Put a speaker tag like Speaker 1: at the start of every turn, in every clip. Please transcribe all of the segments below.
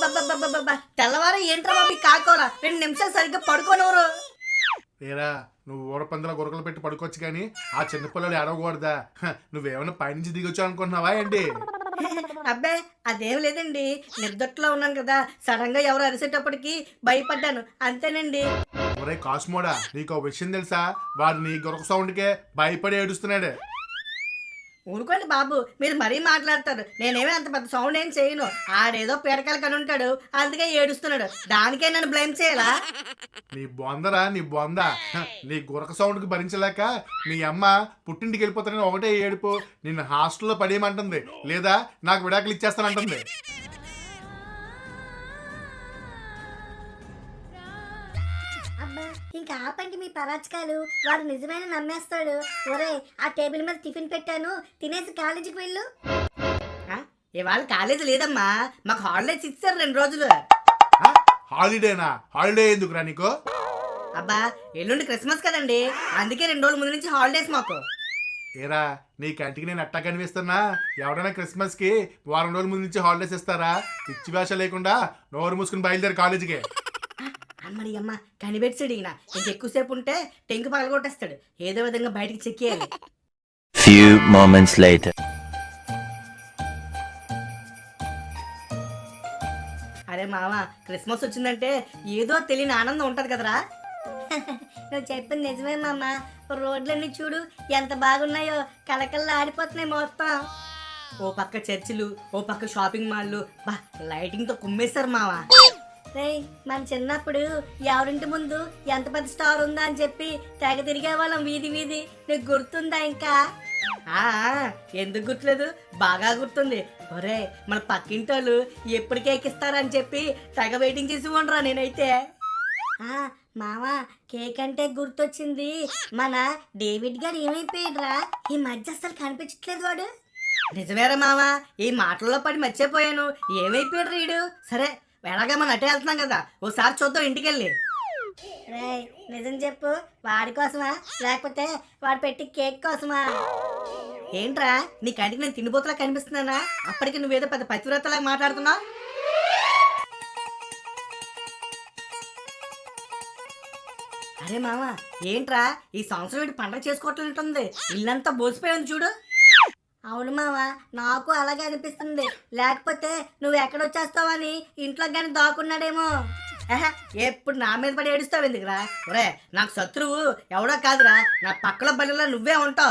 Speaker 1: అబ్బబ్బబ్బబ్బబ్బ తెల్లవారు ఏంట్రా బాబు ఈ కాకోరా 2 నిమిషాలు సరిగ్గా పడుకోనవరు.
Speaker 2: లేరా నువ్వు ఊరపందుల గురకలు పెట్టి పడుకోవచ్చు కానీ ఆ చిన్నపిల్లలు ఏడవకూడదా? నువ్వేమైనా పైనుంచి దిగొచ్చు అనుకుంటున్నావా ఏంటి?
Speaker 1: అబ్బే అదేం లేదండి, నిద్రలో ఉన్నాను కదా, సడన్ గా ఎవరు అరిసేటప్పటికి భయపడ్డాను అంతేనండి.
Speaker 2: ఒరే కాస్మోడా, నీకు ఒక విషయం తెలుసా? వాడు నీ గురక సౌండ్కే భయపడి ఏడుస్తున్నాడు.
Speaker 1: ఊరుకోండి బాబు, మీరు మరీ మాట్లాడతారు. నేనేమీ అంత పెద్ద సౌండ్ ఏం చేయను. ఆడేదో పీడకలు కని ఉంటాడు, అందుకే ఏడుస్తున్నాడు. దానికే నన్ను బ్లేమ్ చేయాలా?
Speaker 2: నీ బొందరా నీ బొంద. నీ గురక సౌండ్కి భరించలేక మీ అమ్మ పుట్టింటికి వెళ్ళిపోతానని ఒకటే ఏడుపు. నిన్ను హాస్టల్లో పడేయమంటుంది, లేదా నాకు విడాకులు ఇచ్చేస్తానంటుంది.
Speaker 3: అబ్బా ఇంకా ఆపండి మీ పరాచకాలు, వాడు నిజమైన నమ్మేస్తాడు. ఒరే ఆ టేబుల్ మీద టిఫిన్ పెట్టాను, తినేసి కాలేజీకి వెళ్ళు.
Speaker 1: ఆ? ఇవాళ కాలేజీ లేదమ్మా, మాకు హాలిడేస్ ఇచ్చారు 2 రోజులు.
Speaker 2: హాలిడేనా? హాలిడే ఎందుకురా నీకు?
Speaker 1: అబ్బా ఎల్లుండి క్రిస్మస్ కదండి, అందుకే 2 రోజుల ముందు నుంచి హాలిడేస్ మాకు.
Speaker 2: ఏరా నీ కంటికి నేను అట్టా కనిపిస్తున్నా? ఎవడైనా క్రిస్మస్కి వారం రోజుల ముందు నుంచి హాలిడేస్ ఇస్తారా? పిచ్చి భాష లేకుండా నోరు మూసుకుని బయలుదేరి కాలేజీకి.
Speaker 1: అమ్మడి అమ్మ కనిపెట్టాడు ఈయన, ఇంకెక్కువసేపు ఉంటే టెంకు పగలగొట్టేస్తాడు. ఏదో విధంగా బయటికి చెక్కేయాలి.
Speaker 4: Few moments later.
Speaker 1: అరే మామ, క్రిస్మస్ వచ్చిందంటే ఏదో తెలియని ఆనందం ఉంటది కదరా.
Speaker 3: నువ్వు చెప్పింది నిజమే మామ, రోడ్లన్నీ చూడు ఎంత బాగున్నాయో, కలకల్లా ఆడిపోతున్నాయి మొత్తం.
Speaker 1: ఓ పక్క చర్చిలు, ఓ పక్క షాపింగ్ మాల్లు, బా లైటింగ్ తో కుమ్మేశారు మామ.
Speaker 3: రేయ్ మన చిన్నప్పుడు ఎవరింటి ముందు ఎంత పెద్ద స్టార్ ఉందా అని చెప్పి తెగ తిరిగే వాళ్ళం వీధి వీధి, నీకు గుర్తుందా ఇంకా?
Speaker 1: ఆ ఎందుకు గుర్తులేదు, బాగా గుర్తుంది. ఒరే మన పక్కింటి వాళ్ళు ఎప్పటికే ఎక్కిస్తారని చెప్పి తెగ వెయిటింగ్ చేసి ఉండరా నేనైతే.
Speaker 3: మామ కేక్ అంటే గుర్తొచ్చింది, మన డేవిడ్ గారు ఏమైపోయాడురా ఈ మధ్య, అసలు కనిపించట్లేదు వాడు.
Speaker 1: నిజమేరా మామ, ఈ మాటల్లో పడి మర్చిపోయాను. ఏమైపోయాడు రీడు? సరే ఎలాగా మనం అటే వెళ్తున్నాం కదా, ఓసారి చూద్దాం ఇంటికెళ్ళి.
Speaker 3: రేయ్ నిజం చెప్పు, వాడి కోసమా లేకపోతే వాడు పెట్టి కేక్ కోసమా?
Speaker 1: ఏంట్రా నీ కంటికి నేను తిండిపోతులా కనిపిస్తున్నానా? అప్పటికి నువ్వేదో పెద్ద పతివ్రతలాగా మాట్లాడుతున్నావు. అరే మామ ఏంట్రా ఈ సంవత్సరం ఏంటి పండగ చేసుకోవట్లేంటుంది, ఇల్లంతా బోసిపోయింది చూడు.
Speaker 3: అవును మామ, నాకు అలాగే అనిపిస్తుంది. లేకపోతే నువ్వు ఎక్కడొచ్చేస్తావని ఇంట్లో కానీ దాక్కున్నాడేమో.
Speaker 1: ఎప్పుడు నా మీద పడి ఏడుస్తావు ఎందుకురా? ఒరే నాకు శత్రువు ఎవడో కాదురా, నా పక్కల బలిలో నువ్వే ఉంటావు.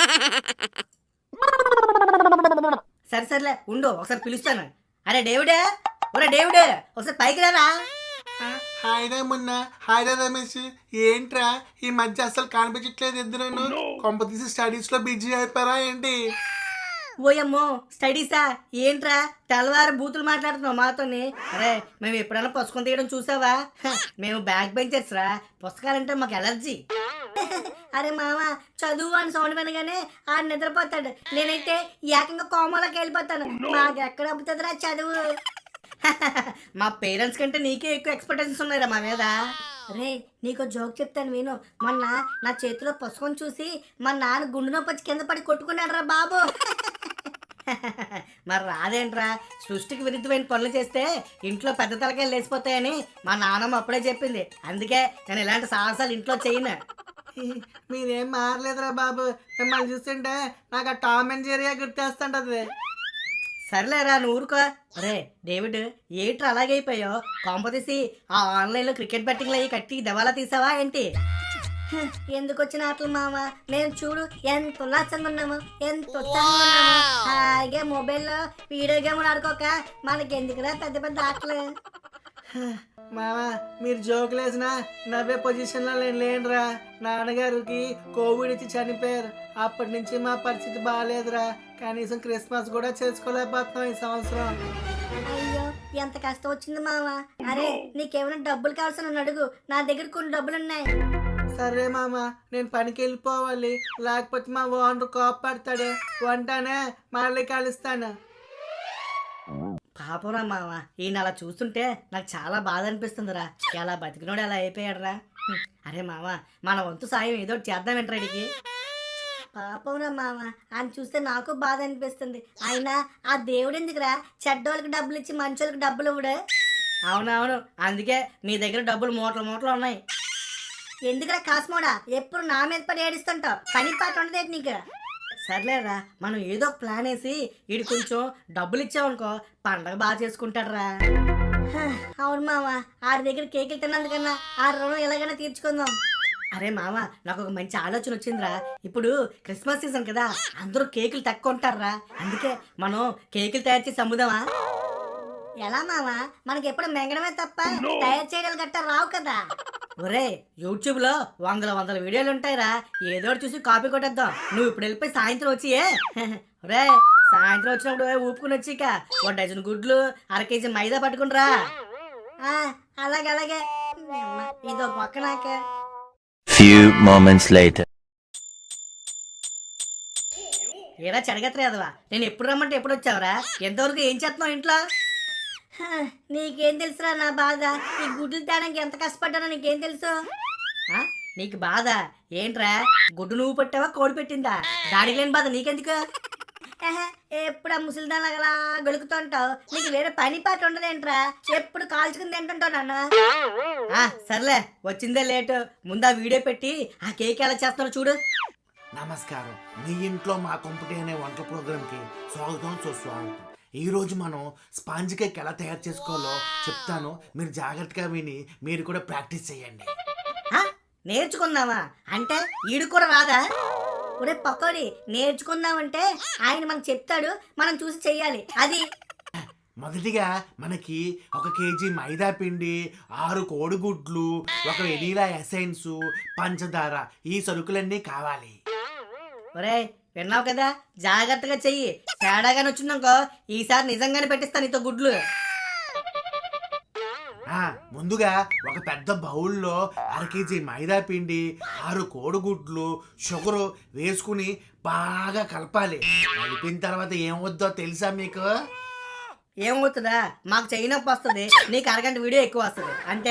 Speaker 1: సరే సరేలే ఉండు, ఒకసారి పిలుస్తాను. అరే డేవిడే, ఒరే డేవిడే ఒకసారి పైకి రారా.
Speaker 2: హాయిరా మొన్న హాయిరా రమేష్, ఏంట్రా ఈ మధ్య అసలు కనిపించట్లేదు ఇద్దరును? కొంప తీసి స్టడీస్ లో బిజీ అయిపోయారా ఏంటి?
Speaker 1: ఓయమ్మో స్టడీసా? ఏంట్రా తెల్లవారు బూతులు మాట్లాడుతున్నావు మాతోని? అరే మేము ఎప్పుడైనా పుస్తకం తీయడం చూసావా? మేము బ్యాక్ బెంచర్స్ రా, పుస్తకాలంటే మాకు ఎలర్జీ.
Speaker 3: అరే మామ చదువు అని సౌండ్ వినగానే ఆడు నిద్రపోతాడు, నేనైతే ఏకంగా కోమలోకి వెళ్ళిపోతాను. మాకు ఎక్కడ అబ్బుతుందిరా చదువు.
Speaker 1: మా పేరెంట్స్ కంటే నీకే ఎక్కువ ఎక్స్పెక్టేషన్స్ ఉన్నాయిరా మా మీద.
Speaker 3: రే నీకు జోక్ చెప్తాను విను. మొన్న నా చేతిలో పుస్తకం చూసి మా నాన్న గుండు నొప్పి వచ్చి కింద పడి కొట్టుకున్నాడు రా బాబు.
Speaker 1: మరి రాదేంట్రా, సృష్టికి విరుద్ధమైన పనులు చేస్తే ఇంట్లో పెద్ద తలకాయలు లేచిపోతాయని మా నాన్నమ్మ అప్పుడే చెప్పింది. అందుకే నేను ఇలాంటి సాహసాలు ఇంట్లో చేయను.
Speaker 5: మీరేం మారలేదురా బాబు, మిమ్మల్ని చూస్తుంటే నాకు ఆ టామ్ అండ్ జెర్రీ గుర్తేస్తుంటది.
Speaker 1: సర్లేరా నువ్వు ఊరుకో. అరే డేవిడ్ ఏంట్రా అలాగైపోయావు? కాంపతీసి ఆ ఆన్లైన్లో క్రికెట్ బెట్టింగ్లు అయ్యి కట్టి దవాలా తీసావా ఏంటి?
Speaker 3: ఎందుకు వచ్చిన ఆటలు మామ, మేము చూడు ఎంత ఉల్లాసంగా ఉన్నాము, ఎంత ఉత్సాహంగా ఉన్నాము. హాయిగా మొబైల్లో వీడియో గేమ్లు ఆడుకోక మనకి ఎందుకురా పెద్ద పెద్ద ఆటలు.
Speaker 5: మామ మీరు జోకులు వేసినా నవ్వే పొజిషన్లో నేను లేనురా. నాన్నగారికి కోవిడ్ ఇచ్చి చనిపోయారు, అప్పటి నుంచి మా పరిస్థితి బాగాలేదురా. కనీసం క్రిస్మస్ కూడా చేసుకోలేకపోతున్నాం ఈ సంవత్సరం.
Speaker 3: అయ్యో ఎంత కష్టం వచ్చింది మామ. అరే నీకేమైనా డబ్బులు కావాల్సిన నన్ను అడుగు, నా దగ్గర కొన్ని డబ్బులు ఉన్నాయి.
Speaker 5: సరే మామ, నేను పనికి వెళ్ళిపోవాలి, లేకపోతే మా ఓనర్ కోపడతాడు. వంటనే మళ్ళీ కలుస్తాను.
Speaker 1: పాపరా మామ, ఈయన అలా చూస్తుంటే నాకు చాలా బాధ అనిపిస్తుందిరా. ఎలా బతికినోడు ఎలా అయిపోయాడురా. అరే మామ మన వంతు సాయం ఏదో చేద్దాం ఏంట్రాడికి.
Speaker 3: పాపం రా మామ, అని చూస్తే నాకు బాధ అనిపిస్తుంది. అయినా ఆ దేవుడు ఎందుకురా చెడ్డోళ్ళకి డబ్బులు ఇచ్చి మంచోళ్ళకి డబ్బులు ఇవ్వడు?
Speaker 1: అవునవును, అందుకే నీ దగ్గర డబ్బులు మూటలు మూటలు ఉన్నాయి.
Speaker 3: ఎందుకురా కాస్మోడా ఎప్పుడు నా మీద పడి ఏడుస్తుంటావు? పని పాట ఉండదు నీకు.
Speaker 1: సర్లేరా, మనం ఏదో ఒక ప్లాన్ వేసి వీడు కొంచెం డబ్బులు ఇచ్చామనుకో పండగ బాగా చేసుకుంటాడురా.
Speaker 3: హ, అవును మామ, ఆడి దగ్గర కేకులు తిన్నందుకన్నా ఆ రుణం ఎలాగైనా తీర్చుకుందాం.
Speaker 1: అరే మామ, నాకు ఒక మంచి ఆలోచన వచ్చిందిరా. ఇప్పుడు క్రిస్మస్ సీజన్ కదా, అందరూ కేకులు తక్కువ ఉంటారా, అందుకే మనం కేకులు తయారు చేసి అమ్ముదామా?
Speaker 3: ఎలా మామ? మనకి ఎప్పుడు మెంగడమే తప్ప తయారు చేయడాలు గట్టా రావు కదా.
Speaker 1: ఒరే, యూట్యూబ్ లో వందల వీడియోలు ఉంటాయిరా, ఏదో ఒకటి చూసి కాపీ కొట్టేద్దాం. నువ్వు ఇప్పుడు వెళ్ళిపోయి సాయంత్రం వచ్చి ఒరే, సాయంత్రం వచ్చినప్పుడు ఊపుకుని వచ్చి ఇక 1 డజన్ గుడ్లు, 1/2 కేజీ మైదా పట్టుకునిరా.
Speaker 3: ఆ, అలాగే అలాగే. ఇదో పక్క నాకే.
Speaker 4: Few moments later.
Speaker 1: ఏరా చెడగత్రేదవా, నేను ఎప్పుడు రమ్మంటే ఎప్పుడు వచ్చావురా? ఎంతవరకు ఏం చేస్తున్నావు ఇంట్లో?
Speaker 3: హ, నీకేం తెలుసురా నా బాధ? ఈ గుడ్లు తేడానికి ఎంత కష్టపడ్డానో నీకేం తెలుసు?
Speaker 1: ఆ? నీకు బాధ ఏంట్రా? గుడ్డు నువ్వు పెట్టావా, కోడి పెట్టిందా? దాడికి లేని బాధ నీకెందుకు?
Speaker 3: ఏహే, ఎప్పుడు ఆ ముసలిదాన్ని అలా గొలుకుతుంటావు? నీకు వేరే పని పాట ఉండదేంట్రా? ఎప్పుడు కాల్చుకుని తింటుంటావు నాన్న.
Speaker 1: సర్లే, వచ్చిందే లేటు. ముందు ఆ వీడియో పెట్టి ఆ కేక్ ఎలా చేస్తున్నారో చూడు.
Speaker 2: నమస్కారం, మీ ఇంట్లో మా కొంపటి అనే వంటల ప్రోగ్రామ్కి స్వాగతం సుస్వాగతం. ఈరోజు మనం స్పాంజ్ కేక్ ఎలా తయారు చేసుకోవాలో చెప్తాను, మీరు జాగ్రత్తగా విని మీరు కూడా ప్రాక్టీస్ చేయండి.
Speaker 1: ఆ? నేర్చుకుందామా అంటే ఈడు కూడా రాదా?
Speaker 3: ఒరే పకోడి, నేర్చుకుందామంటే ఆయన మనకు చెప్తాడు, మనం చూసి చెయ్యాలి. అది
Speaker 2: మొదటిగా మనకి 1 కేజీ మైదా పిండి, 6 కోడిగుడ్లు, 1 వెనీలా ఎసెన్స్, పంచదార, ఈ సరుకులన్నీ కావాలి.
Speaker 1: ఒరే, విన్నావు కదా, జాగ్రత్తగా చెయ్యి. తేడాగానే వచ్చిందనుకో ఈసారి నిజంగానే పెట్టిస్తాను నీతో గుడ్లు.
Speaker 2: ముందుగా ఒక పెద్ద బౌల్లో 1/2 కేజీ మైదా పిండి, 6 కోడిగుడ్లు, షుగరు వేసుకుని బాగా కలపాలి. కలిపిన తర్వాత ఏమవుద్దో తెలుసా మీకు?
Speaker 1: ఏమవుతుందా? మాకు చెయ్యి నొప్పి వస్తుంది, నీకు 1 గంట వీడియో ఎక్కువ వస్తుంది అంతే.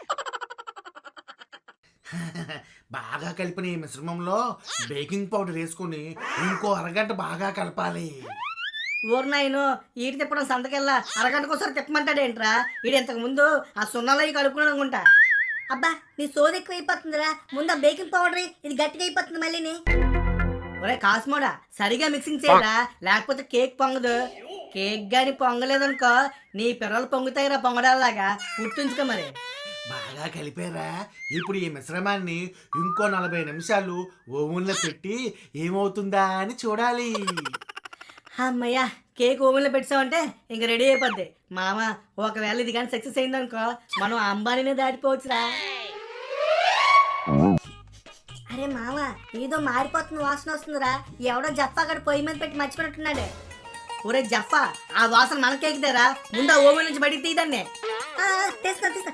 Speaker 2: బాగా కలిపిన ఈ మిశ్రమంలో బేకింగ్ పౌడర్ వేసుకుని ఇంకో 1 గంట బాగా కలపాలి.
Speaker 1: ఊరినాయను ఈడు తిప్పడం సంతకెళ్ళా 1 గంటకోసారి తిప్పమంటాడేంట్రా? ఈడు ఇంతకు ముందు ఆ సున్నాలో కలుపుకుని అనుకుంటా.
Speaker 3: అబ్బా, నీ సోది ఎక్కువ అయిపోతుందిరా. ముందు బేకింగ్ పౌడర్ ఇది గట్టిగా అయిపోతుంది మళ్ళీని.
Speaker 1: ఒరే కాస్మోడా, సరిగా మిక్సింగ్ చేయరా, లేకపోతే కేక్ పొంగదు. కేక్ గాని పొంగలేదనుకో నీ పిల్లలు పొంగుతాయిరా పొంగడాలాగా. గుర్తుంచుకో మరి.
Speaker 2: బాగా కలిపారా? ఇప్పుడు ఈ మిశ్రమాన్ని ఇంకో 40 నిమిషాలు ఓవెన్లో పెట్టి ఏమవుతుందా అని చూడాలి.
Speaker 1: అమ్మయ్యా, కేక్ ఓవెన్లో పెట్టామంటే ఇంక రెడీ అయిపోద్ది. మామ, ఒకవేళ ఇది కానీ సక్సెస్ అయిందనుకో మనం అంబానీనే దాటిపోవచ్చురా.
Speaker 3: అరే మామ, ఏదో మారిపోతున్న వాసన వస్తుందిరా. ఎవడో జఫాగడ పొయ్యి మీద పెట్టి మర్చిపోయినట్టున్నాడు.
Speaker 1: ఒరే జఫా, ఆ వాసన మన కేక్దేరా, ముందు ఆ ఓవెన్ నుంచి బయటికి తీయదాన్ని.
Speaker 3: తీసుకో తీసుకో.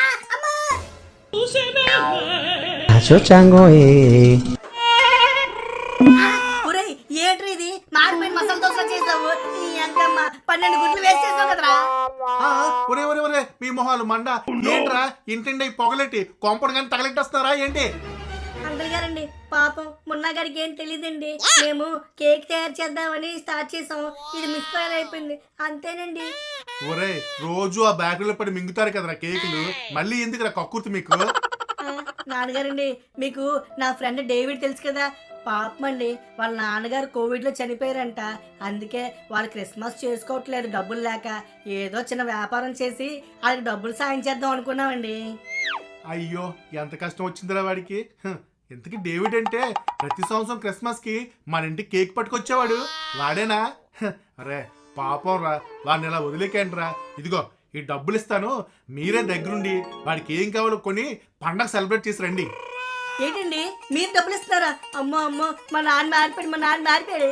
Speaker 1: ఒరే ఏంట్రీ ఇది? మాడిపోయిన మసాలా దోశ చేసావు. ఈ అక్కమ్మ 12 గుడ్లు వేస్ట్ చేసావు కదరా.
Speaker 2: ఒరే ఒరే ఒరే, మీ మొహాలు మండ ఏంట్రా? ఇంటిండి పొగలెట్టి కొంపడు కానీ తగలెట్టేస్తున్నారా ఏంటి?
Speaker 3: అంకుల్ గారండి, పాపం మున్నా గారికి ఏం తెలియదండి. మేము కేక్ తయారు చేద్దామని స్టార్ట్ చేసాం, ఇది మిస్ ఫైర్ అయిపోయింది అంతేనండి.
Speaker 2: ఒరే, రోజు ఆ బ్యాగులో పడి మింగుతారు కదరా కేకులు, మళ్ళీ ఎందుకురా కక్కుర్తి మీకు?
Speaker 1: నాన్నగారండి, మీకు నా ఫ్రెండ్ డేవిడ్ తెలుసు కదా, పాపం అండి వాళ్ళ నాన్నగారు కోవిడ్లో చనిపోయారంట. అందుకే వాళ్ళు క్రిస్మస్ చేసుకోవట్లేదు డబ్బులు లేక. ఏదో చిన్న వ్యాపారం చేసి వాళ్ళకి డబ్బులు సాయం చేద్దాం అనుకున్నామండి.
Speaker 2: అయ్యో, ఎంత కష్టం వచ్చిందిరా వాడికి. ఇంతకీ డేవిడ్ అంటే ప్రతి సంవత్సరం క్రిస్మస్ కి మన ఇంటికి కేక్ పట్టుకొచ్చేవాడు వాడేనా? అరే పాపం రా, వాడిని ఇలా వదిలేకండి రా. ఇదిగో ఈ డబ్బులు ఇస్తాను, మీరే దగ్గరుండి వాడికి ఏం కావాలో కొని పండగ సెలబ్రేట్ చేసి రండి.
Speaker 1: ఏంటండి మీరు డబ్బులు ఇస్తున్నారా? అమ్మో అమ్మో, మా నాన్న మారిపోయాడు.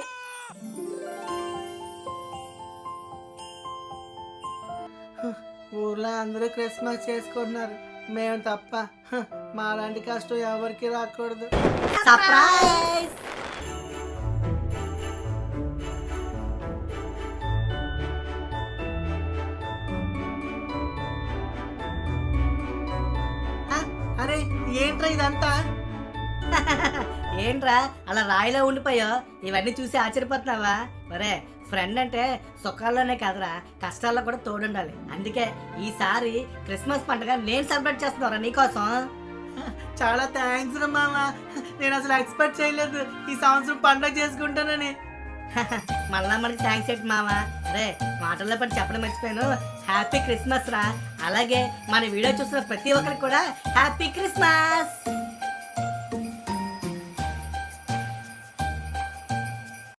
Speaker 5: ఊర్లో అందరూ క్రిస్మస్ చేసుకుంటున్నారు, మేము తప్ప. మా లాంటి కష్టం ఎవరికి రాకూడదు.
Speaker 1: సర్ప్రైజ్!
Speaker 5: అరే ఏంట్రా ఇదంతా?
Speaker 1: ఏంట్రా అలా రాయిలో ఉండిపోయో ఇవన్నీ చూసి ఆశ్చర్యపోతున్నావా? ఒరే, ఫ్రెండ్ అంటే సుఖాల్లోనే కాదురా, కష్టాల్లో కూడా తోడుండాలి. అందుకే ఈసారి క్రిస్మస్ పండుగ నేను సెలబ్రేట్ చేస్తున్నారా నీకోసం.
Speaker 5: చాలా థ్యాంక్స్ రా మామ. నేను అసలు ఎక్స్పెక్ట్ చేయలేదు ఈ సంవత్సరం పండగ చేసుకుంటానని.
Speaker 1: మళ్ళా మనకి థ్యాంక్స్ ఏంటి మామ. అరే, మాటల్లో పడి చెప్పడం మర్చిపోయాను. హ్యాపీ క్రిస్మస్ రా. అలాగే మన వీడియో చూస్తున్న ప్రతి ఒక్కరికి కూడా హ్యాపీ క్రిస్మస్.